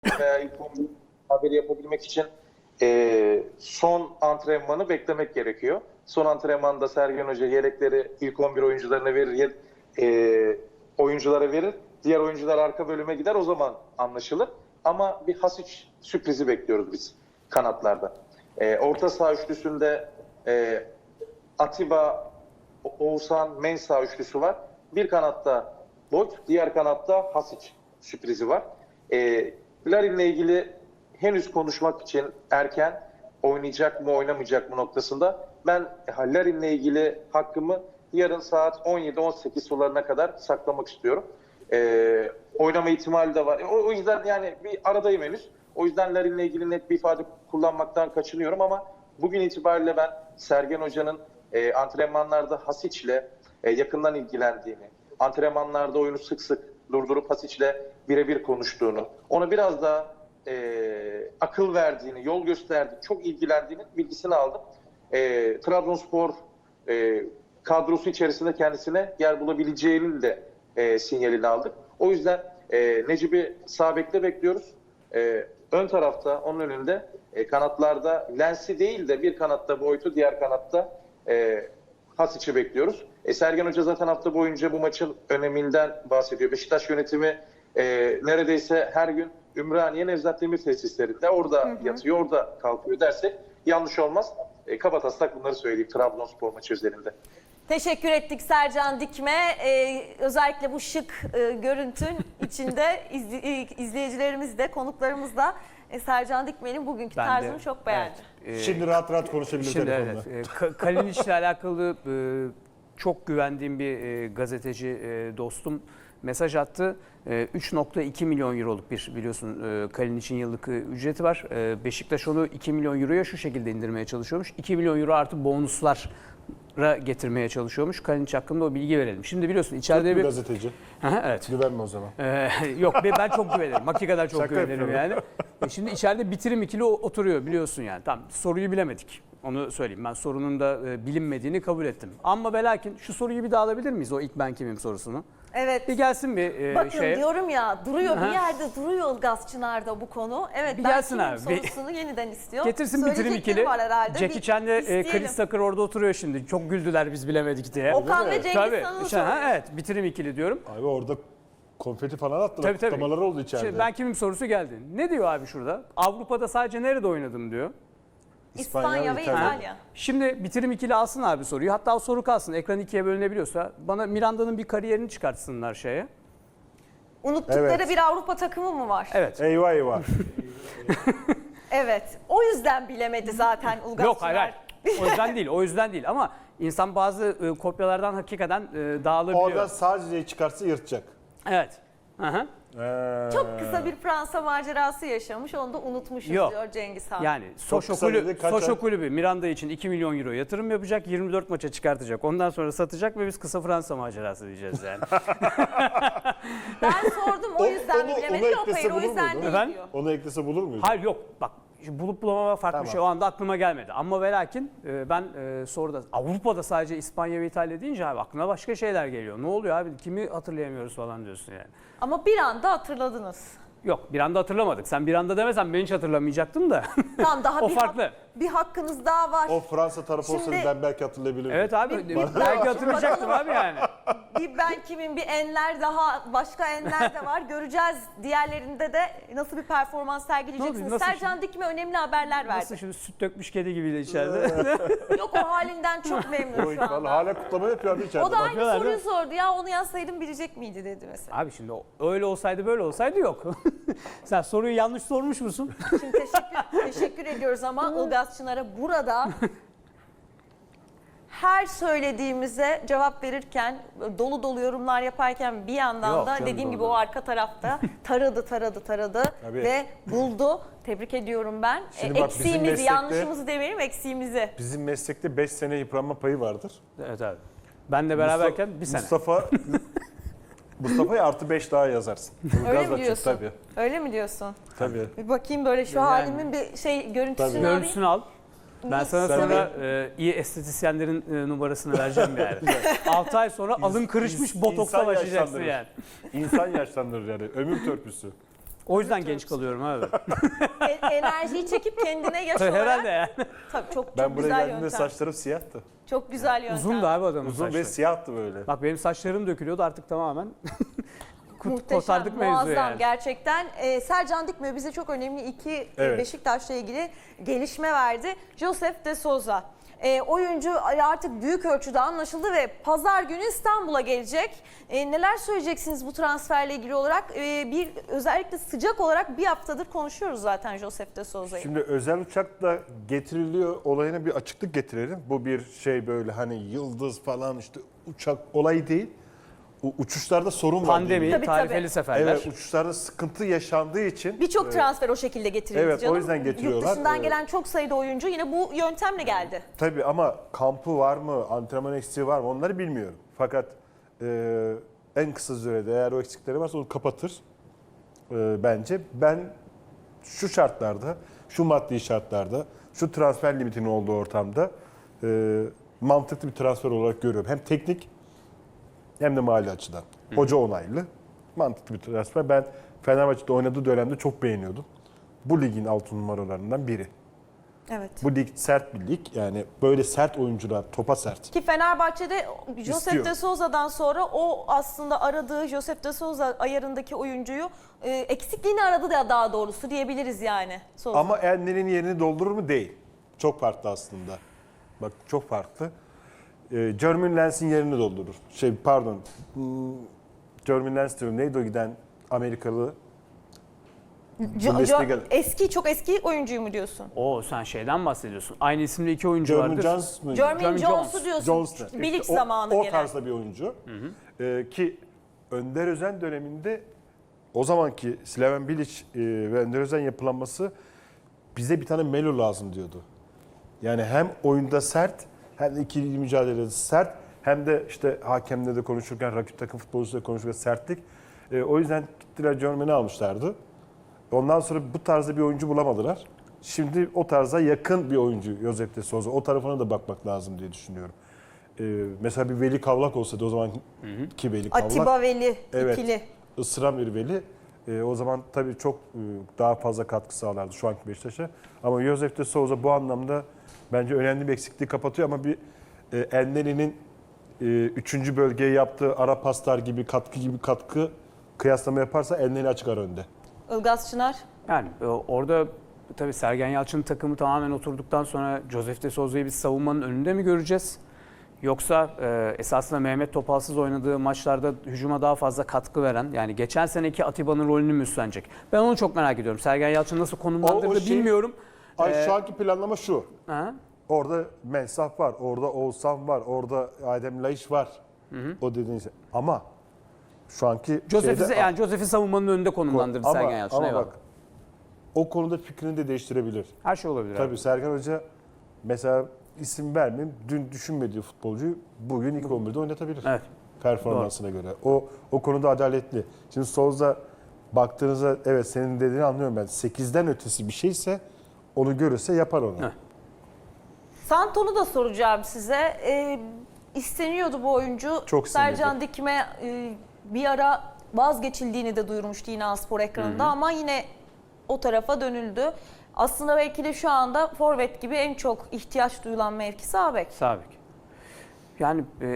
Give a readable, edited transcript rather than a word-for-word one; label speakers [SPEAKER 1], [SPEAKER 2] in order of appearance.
[SPEAKER 1] veya ilk 11 haberi yapabilmek için son antrenmanı beklemek gerekiyor. Son antrenmanda Sergen Hoca yelekleri ilk 11 oyuncularına verir, oyunculara verir. Diğer oyuncular arka bölüme gider, o zaman anlaşılır. Ama bir Hasic sürprizi bekliyoruz biz kanatlarda. Orta saha üçlüsünde Atiba, Oğuzhan, Mensah üçlüsü var. Bir kanatta Boyd, diğer kanatta Hasic sürprizi var. Larin'le ilgili henüz konuşmak için erken, oynayacak mı oynamayacak mı noktasında. Ben Larin'le ilgili hakkımı yarın saat 17-18 sularına kadar saklamak istiyorum. Oynama ihtimali de var. O yüzden yani bir aradayım henüz. O yüzden Larin'le ilgili net bir ifade kullanmaktan kaçınıyorum ama bugün itibariyle ben Sergen Hoca'nın antrenmanlarda Hasic'le yakından ilgilendiğini, antrenmanlarda oyunu sık sık durdurup Hasic'le birebir konuştuğunu, ona biraz daha akıl verdiğini, yol gösterdiğini, çok ilgilendiğini bilgisini aldım. Trabzonspor kadrosu içerisinde kendisine yer bulabileceğinin de sinyalini aldık. O yüzden Necip'i sağ bekte bekliyoruz. Ön tarafta, onun önünde kanatlarda Lens'i değil de bir kanatta Boyd'u, diğer kanatta Hasic'i bekliyoruz. Sergen Hoca zaten hafta boyunca bu maçın öneminden bahsediyor. Beşiktaş yönetimi neredeyse her gün Ümraniye Nevzat Demir tesislerinde orada yatıyor, orada kalkıyor dersek yanlış olmaz. Kabataslak bunları söyleyeyim Trabzonspor maçı üzerinde.
[SPEAKER 2] Teşekkür ettik Sercan Dikme. Özellikle bu şık görüntün içinde izleyicilerimiz de, konuklarımız da Sercan Dikme'nin bugünkü tarzını çok beğendi.
[SPEAKER 3] Evet. Şimdi rahat rahat konuşabiliriz telefonla.
[SPEAKER 4] Evet. Kalinic'le alakalı çok güvendiğim bir gazeteci dostum mesaj attı. 3.2 milyon euroluk bir biliyorsun Kalinic'in yıllık ücreti var. Beşiktaş onu 2 milyon euroya şu şekilde indirmeye çalışıyormuş. 2 milyon euro artı bonuslar getirmeye çalışıyormuş. Kalinic hakkında o bilgi verelim. Şimdi biliyorsun içeride bir
[SPEAKER 3] gazeteci.
[SPEAKER 4] Evet.
[SPEAKER 3] Güvenme o zaman.
[SPEAKER 4] Yok ben çok güvenirim. Hakikaten çok
[SPEAKER 3] Şaka
[SPEAKER 4] güvenirim
[SPEAKER 3] yapıyorum.
[SPEAKER 4] yani. Şimdi içeride bitirim ikili oturuyor biliyorsun yani. Tamam soruyu bilemedik. Onu söyleyeyim. Ben sorunun da bilinmediğini kabul ettim. Ama ve lakin şu soruyu bir daha alabilir miyiz? O ilk ben kimim sorusunu.
[SPEAKER 2] Evet.
[SPEAKER 4] Bir gelsin bir
[SPEAKER 2] Bakın
[SPEAKER 4] şeye.
[SPEAKER 2] diyorum ya duruyor bir yerde duruyor Ilgaz Çınar'da bu konu. Evet
[SPEAKER 4] Bir
[SPEAKER 2] ben
[SPEAKER 4] gelsin
[SPEAKER 2] kimim
[SPEAKER 4] abi,
[SPEAKER 2] sorusunu yeniden istiyor.
[SPEAKER 4] Getirsin bitirim
[SPEAKER 2] Söyleyecekleri
[SPEAKER 4] ikili.
[SPEAKER 2] var herhalde.
[SPEAKER 4] Jackie Chan'le
[SPEAKER 2] İsteyelim.
[SPEAKER 4] Chris Tucker orada oturuyor şimdi. Çok güldüler biz bilemedik diye.
[SPEAKER 2] Okan ve Cengiz
[SPEAKER 4] Tabii.
[SPEAKER 2] Han'ı
[SPEAKER 4] Evet bitirim ikili diyorum.
[SPEAKER 3] Abi orada konfeti falan attılar. Kutlamalar oldu içeride.
[SPEAKER 4] Şimdi ben kimim sorusu geldi. Ne diyor abi şurada? Avrupa'da sadece nerede oynadım diyor.
[SPEAKER 2] İspanya ve İtalya.
[SPEAKER 4] Şimdi bitirim ikili alsın abi soruyu. Hatta o soru kalsın. Ekran ikiye bölünebiliyorsa bana Miranda'nın bir kariyerini çıkartsınlar şeye.
[SPEAKER 2] Unuttukları
[SPEAKER 3] Evet.
[SPEAKER 2] bir Avrupa takımı mı var?
[SPEAKER 4] Evet.
[SPEAKER 3] Eyvah eyvah.
[SPEAKER 2] Evet. O yüzden bilemedi zaten Ilgaz
[SPEAKER 4] Yok
[SPEAKER 2] Çınar.
[SPEAKER 4] hayır. O yüzden değil. O yüzden değil. Ama insan bazı kopyalardan hakikaten dağılabiliyor.
[SPEAKER 3] Orada sadece çıkarsa yırtacak.
[SPEAKER 4] Evet. Aha.
[SPEAKER 2] Çok kısa bir Fransa macerası yaşamış. Onu da unutmuşuz
[SPEAKER 4] Yok.
[SPEAKER 2] diyor Cengiz Han.
[SPEAKER 4] Yani Soşo
[SPEAKER 3] kısa dedi, kaç ay?
[SPEAKER 4] Kulübü Miranda için 2 milyon euro yatırım yapacak. 24 maça çıkartacak. Ondan sonra satacak ve biz kısa Fransa macerası diyeceğiz yani.
[SPEAKER 2] Ben sordum o yüzden mi bilemedi? Yok
[SPEAKER 3] eklese
[SPEAKER 2] hayır o
[SPEAKER 3] bulur
[SPEAKER 2] yüzden
[SPEAKER 3] muydu?
[SPEAKER 2] değil
[SPEAKER 4] Efendim?
[SPEAKER 2] diyor.
[SPEAKER 3] Onu eklese bulur muyuz?
[SPEAKER 4] Hayır yok bak bulup bulamama farklı
[SPEAKER 3] Tamam.
[SPEAKER 4] bir şey. O anda aklıma gelmedi. Ama ve lakin ben soruda Avrupa'da sadece İspanya ve İtalya deyince abi aklına başka şeyler geliyor. Ne oluyor abi kimi hatırlayamıyoruz falan diyorsun yani.
[SPEAKER 2] Ama bir anda hatırladınız.
[SPEAKER 4] Yok bir anda hatırlamadık. Sen bir anda demesen ben hiç hatırlamayacaktım da.
[SPEAKER 2] Tamam daha
[SPEAKER 4] O
[SPEAKER 2] bir,
[SPEAKER 4] farklı.
[SPEAKER 2] bir hakkınız daha var.
[SPEAKER 3] O Fransa tarafı olsaydı
[SPEAKER 2] Şimdi-
[SPEAKER 3] ben belki hatırlayabilirdim.
[SPEAKER 4] Evet abi belki hatırlayacaktım abi yani.
[SPEAKER 2] Bir ben kimim bir enler daha başka enler de var. Göreceğiz diğerlerinde de nasıl bir performans sergileyeceksiniz.
[SPEAKER 4] Nasıl
[SPEAKER 2] Sercan Dikme önemli haberler verdi.
[SPEAKER 4] Nasıl şimdi süt dökmüş kedi gibiydi içeride.
[SPEAKER 2] Yok o halinden çok memnun
[SPEAKER 3] Oy,
[SPEAKER 2] şu
[SPEAKER 3] vallahi
[SPEAKER 2] anda.
[SPEAKER 3] hala kutlama yapıyor abi içeride.
[SPEAKER 2] O da aynı
[SPEAKER 4] Bakıyorlar,
[SPEAKER 2] soruyu
[SPEAKER 4] değil mi?
[SPEAKER 2] sordu. Ya onu yazsaydım bilecek miydi dedi mesela.
[SPEAKER 4] Abi şimdi öyle olsaydı böyle olsaydı yok. Sen soruyu yanlış sormuş musun?
[SPEAKER 2] Şimdi teşekkür ediyoruz ama Ilgaz Çınar'a burada her söylediğimize cevap verirken, dolu dolu yorumlar yaparken bir yandan
[SPEAKER 4] Yok
[SPEAKER 2] da
[SPEAKER 4] canım,
[SPEAKER 2] dediğim gibi
[SPEAKER 4] doğru.
[SPEAKER 2] o arka tarafta taradı
[SPEAKER 3] Tabii.
[SPEAKER 2] ve buldu. Tebrik ediyorum ben.
[SPEAKER 3] Şimdi bak, bizim
[SPEAKER 2] Eksiğimizi,
[SPEAKER 3] meslekte-
[SPEAKER 2] yanlışımızı demeyelim, eksiğimizi.
[SPEAKER 3] Bizim meslekte 5 sene yıpranma payı vardır.
[SPEAKER 4] Evet abi. Benle beraberken bir sene.
[SPEAKER 3] Mustafa'ya artı 5 daha yazarsın.
[SPEAKER 2] Öyle
[SPEAKER 3] Ilgaz'la
[SPEAKER 2] mi
[SPEAKER 3] çık,
[SPEAKER 2] diyorsun?
[SPEAKER 3] Tabii.
[SPEAKER 2] Öyle mi diyorsun?
[SPEAKER 3] Tabii.
[SPEAKER 2] Bir bakayım böyle şu
[SPEAKER 4] Yani-
[SPEAKER 2] halimin bir görüntüsünü
[SPEAKER 3] Tabii.
[SPEAKER 2] alayım.
[SPEAKER 4] Görüntüsünü al. Ben sana
[SPEAKER 3] Sen
[SPEAKER 4] sonra iyi estetisyenlerin numarasını vereceğim yani. 6 ay sonra alın kırışmış botoksla
[SPEAKER 3] insan
[SPEAKER 4] başlayacaksın
[SPEAKER 3] yaşlandırır.
[SPEAKER 4] yani.
[SPEAKER 3] İnsan yaşlandırır yani. Ömür törpüsü.
[SPEAKER 4] O yüzden genç kalıyorum abi.
[SPEAKER 2] Enerjiyi çekip kendine yaş olarak.
[SPEAKER 4] Herhalde yani.
[SPEAKER 2] Tabii çok
[SPEAKER 3] Ben buraya
[SPEAKER 2] güzel
[SPEAKER 3] geldiğimde
[SPEAKER 2] yöntem.
[SPEAKER 3] saçlarım siyahtı.
[SPEAKER 2] Çok güzel yöntem.
[SPEAKER 4] Uzun da abi adamın
[SPEAKER 3] Uzun ve
[SPEAKER 4] saçları.
[SPEAKER 3] siyahtı böyle.
[SPEAKER 4] Bak benim saçlarım dökülüyordu artık tamamen.
[SPEAKER 2] Muhteşem,
[SPEAKER 4] Kotardık mevzuyu
[SPEAKER 2] muazzam
[SPEAKER 4] yani.
[SPEAKER 2] gerçekten. Sercan Dikme bize çok önemli iki
[SPEAKER 3] Evet.
[SPEAKER 2] Beşiktaş'la ilgili gelişme verdi. Josef de Souza. Oyuncu artık büyük ölçüde anlaşıldı ve pazar günü İstanbul'a gelecek. Neler söyleyeceksiniz bu transferle ilgili olarak? Özellikle sıcak olarak bir haftadır konuşuyoruz zaten Josef de Souza'yı.
[SPEAKER 3] Şimdi özel uçakla getiriliyor olayına bir açıklık getirelim. Bu bir şey böyle hani yıldız falan işte uçak olayı değil. Uçuşlarda sorun var.
[SPEAKER 4] Pandemi,
[SPEAKER 3] değil.
[SPEAKER 2] Tabii,
[SPEAKER 4] tarifeli
[SPEAKER 2] tabii.
[SPEAKER 4] seferler.
[SPEAKER 3] Evet, uçuşlarda sıkıntı yaşandığı için
[SPEAKER 2] Birçok transfer o şekilde getirildi
[SPEAKER 3] evet, o
[SPEAKER 2] canım.
[SPEAKER 3] yüzden getiriyorlar.
[SPEAKER 2] Yurt dışından
[SPEAKER 3] Evet.
[SPEAKER 2] gelen çok sayıda oyuncu yine bu yöntemle geldi.
[SPEAKER 3] tabii ama kampı var mı, antrenman eksiği var mı onları bilmiyorum. Fakat en kısa sürede eğer o eksikleri varsa onu kapatır bence. Ben şu şartlarda, şu maddi şartlarda, şu transfer limitinin olduğu ortamda mantıklı bir transfer olarak görüyorum. Hem teknik hem de mali açıdan. Hoca onaylı, mantıklı bir transfer. Ben Fenerbahçe'de oynadığı dönemde çok beğeniyordum. Bu ligin 6 numaralarından biri.
[SPEAKER 2] Evet.
[SPEAKER 3] Bu lig sert bir lig. Yani böyle sert oyuncular, topa sert.
[SPEAKER 2] Ki Fenerbahçe'de Josef
[SPEAKER 3] İstiyor.
[SPEAKER 2] de Souza'dan sonra o aslında aradığı Josef de Souza ayarındaki oyuncuyu eksikliğini aradı da daha doğrusu diyebiliriz yani. Souza.
[SPEAKER 3] Ama Ender'in yerini doldurur mu? Değil. Çok farklı aslında. Bak çok farklı. Jermaine Lens'in yerini doldurur. Jermaine Lens diyorum. Neydi o giden Amerikalı? Bundesliga.
[SPEAKER 2] Çok eski oyuncuyu mu diyorsun?
[SPEAKER 4] O sen şeyden bahsediyorsun. Aynı isimli iki oyuncu
[SPEAKER 3] Jermaine
[SPEAKER 4] vardır.
[SPEAKER 3] Jones mu?
[SPEAKER 2] Jermaine Jones'u
[SPEAKER 4] Jones.
[SPEAKER 2] diyorsun.
[SPEAKER 3] Jones.
[SPEAKER 2] Bilic
[SPEAKER 3] İşte
[SPEAKER 2] zamanı
[SPEAKER 3] o
[SPEAKER 2] gelen.
[SPEAKER 3] tarzda bir oyuncu. Ki Önder Özen döneminde o zamanki Slaven Bilic ve Önder Özen yapılanması bize bir tane Melo lazım diyordu. Yani hem oyunda sert hem de ikili mücadelede sert hem de işte hakemle de konuşurken rakip takım futbolcusuyla konuşurken sertlik. O yüzden gittiler Jermaine'i almışlardı. Ondan sonra bu tarzda bir oyuncu bulamadılar. Şimdi o tarza yakın bir oyuncu Josef de Souza. O tarafına da bakmak lazım diye düşünüyorum. Mesela bir Veli Kavlak olsaydı o zaman ki Veli Kavlak.
[SPEAKER 2] Atiba Veli
[SPEAKER 3] Evet.
[SPEAKER 2] ikili.
[SPEAKER 3] Isıran bir Veli. O zaman tabii çok daha fazla katkı sağlardı şu anki Beşiktaş'a. Ama Josef de Souza bu anlamda bence önemli bir eksikliği kapatıyor ama bir Ender'in 3. bölgeye yaptığı ara paslar gibi katkı kıyaslama yaparsa Ender'i açık ara önde.
[SPEAKER 2] Ilgaz Çınar.
[SPEAKER 4] Yani orada tabii Sergen Yalçın'ın takımı tamamen oturduktan sonra Josef de Souza'yı biz savunmanın önünde mi göreceğiz? Yoksa esasında Mehmet Topalsız oynadığı maçlarda hücuma daha fazla katkı veren, yani geçen seneki Atiba'nın rolünü mü üstlenecek? Ben onu çok merak ediyorum. Sergen Yalçın nasıl konumlandırdı bilmiyorum.
[SPEAKER 3] Şu anki planlama şu.
[SPEAKER 4] Ha?
[SPEAKER 3] Orada Mensah var, orada Oğuzhan var, orada Adem Laiş var. O dediğiniz şey. Ama şu anki
[SPEAKER 4] Josef'i savunmanın önünde konumlandırdı Sergen Yalçın.
[SPEAKER 3] Ama
[SPEAKER 4] eyvallah.
[SPEAKER 3] bak o konuda fikrini de değiştirebilir.
[SPEAKER 4] Her şey olabilir.
[SPEAKER 3] Tabii
[SPEAKER 4] abi.
[SPEAKER 3] Sergen Hoca mesela isim vermeyeyim, dün düşünmediği futbolcuyu bugün ilk 11'de oynatabilir.
[SPEAKER 4] Evet.
[SPEAKER 3] Performansına göre. O konuda adaletli. Şimdi Souza baktığınızda evet senin dediğini anlıyorum ben. 8'den ötesi bir şeyse onu görürse yapar onu.
[SPEAKER 4] Evet.
[SPEAKER 2] Santon'u da soracağım size. İsteniyordu bu oyuncu.
[SPEAKER 3] Çok istenirdi.
[SPEAKER 2] Sercan Dikme bir ara vazgeçildiğini de duyurmuştu yine Spor ekranında ama yine o tarafa dönüldü. Aslında belki de şu anda forvet gibi en çok ihtiyaç duyulan mevki sağ bek.
[SPEAKER 4] Sağ bek. Yani